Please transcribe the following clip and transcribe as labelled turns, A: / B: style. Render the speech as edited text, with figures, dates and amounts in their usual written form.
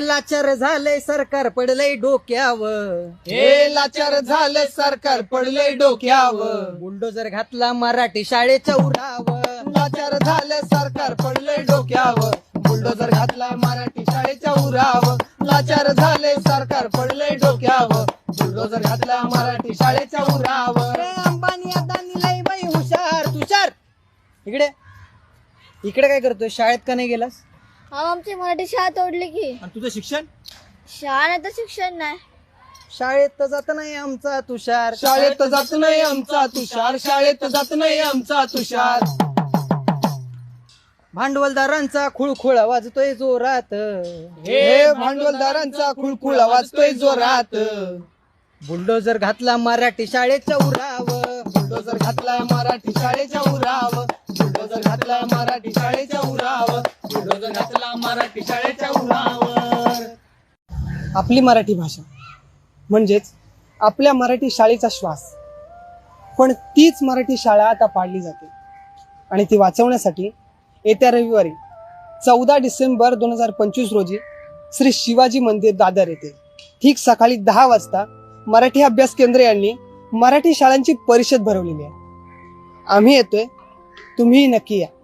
A: लाचार झालंय सरकार पडलंय डोक्यावर,
B: हे लाचार झालं सरकार पडलंय डोक्यावर,
A: बुलडोजर घातला मराठी शाळेच्या उरावर,
B: लाचार झालं सरकार पडलंय डोक्यावर, बुलडोजर घातलाय मराठी शाळेच्या उरावर, लाचार झाले सरकार पडलंय डोक्यावर, बुलडोजर घातलाय मराठी शाळेच्या उरावर.
A: अंबानी अदानी लय बाई हुशार तुषार, इकडे काय करतोय? शाळेत का नाही गेलास?
C: आमची मराठी शाळा तोडली की.
A: आणि तुझं शिक्षण?
C: शाळा नाही तर शिक्षण नाही.
A: शाळेत तर जात नाही आमचा तुषार,
B: शाळेत जात नाही आमचा तुषार, शाळेत जात नाही आमचा तुषार.
A: भांडवलदारांचा खुळखुळा वाजतोय जोरात,
B: हे भांडवलदारांचा खुळखुळा वाजतोय जोरात,
A: बुलडोजर घातला मराठी शाळेच्या उरावर,
B: बुलडोजर घातलाय मराठी शाळेच्या उरावर, बुलडोजर घातलाय मराठी शाळेच्या उरावर, बुलडोजर घातला मराठी शाळेच्या उरावर.
D: आपली मराठी भाषा म्हणजेच आपल्या मराठी शाळेचा श्वास. पण तीच मराठी शाळा आता पाडली जाते आणि ती वाचवण्यासाठी येत्या रविवारी 14 डिसेंबर 2025 रोजी श्री शिवाजी मंदिर दादर येथे ठीक सकाळी 10 वाजता मराठी अभ्यास केंद्र यांनी मराठी शाळांची परिषद भरवलेली आहे. आम्ही येतोय, तुम्ही नक्की या.